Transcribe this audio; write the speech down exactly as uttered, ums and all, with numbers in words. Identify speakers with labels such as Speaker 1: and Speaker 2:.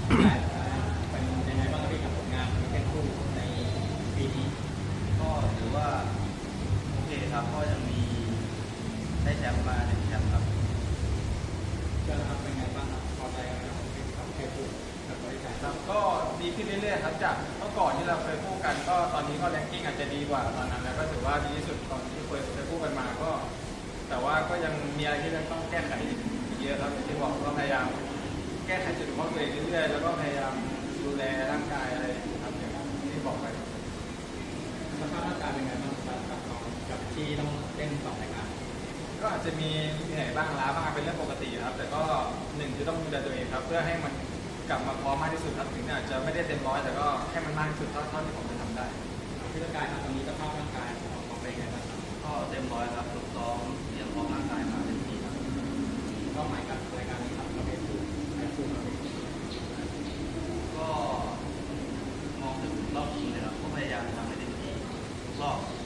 Speaker 1: ใช่เป็นยังไงบ้างครับพี่กับผลงานเป็นคู่ในปีนี้
Speaker 2: ก็ถือว่าโอเคครับก็ยังมีได้แชมป์มาหนึ่งแชมป์ครับ
Speaker 1: จะทำเป็นไงบ้างครับพอใจไหมครับกับแค่คู่กับบริการ
Speaker 2: ครับก็ดีขึ้นเรื่อยๆครับจากเมื่อก่อนที่เราเคยคู่กันก็ตอนนี้ก็แรงกิ้งอาจจะดีกว่าตอนนั้นแล้วก็ถือว่าดีที่สุดตอนที่เคยเคยคู่กันมาก็แต่ว่าก็ยังมีอะไรที่ยังต้องแก้ไขเยอะครับอย่างที่บอกก็พยายามแก้ไขจุดบกพร่องตัวเองเรื่อยๆแล้วก็พยายามดูแลร่างกายอะไรครับอย่างที่บอกไป
Speaker 1: สภาพร่างกายเป็นไงบ้างครับกับน้องกับที่ต้องเล่นสองรายการ
Speaker 2: ก็อาจจะมีเหนื่อยบ้างล้าบ้างเป็นเรื่องปกติครับแต่ก็หนึ่งคือต้องดูแลตัวเองครับเพื่อให้มันกลับมาพร้อมมากที่สุดครับถึงอาจจะไม่ได้เต็มร้อยแต่ก็ให้มันมากที่สุดเท่าเท่าที่ผมจะทำได้
Speaker 1: ที่ร่างกายครับตอนนี้สภาพร่างกายของเราเป็นไงบ้างครับ
Speaker 2: ก็เต็มร้อยครับฝึกซ้อมเตรียมพร้อมร่างกายมาเต็มที่ครับ
Speaker 1: เป้าหมายกับรายการนี้ครับเราเป็นคู่ใครคู่เราเป็น
Speaker 2: ก็มองถึงรอบชิงเลยครับก็พยายามทำให้เต็มที่ทุกรอบ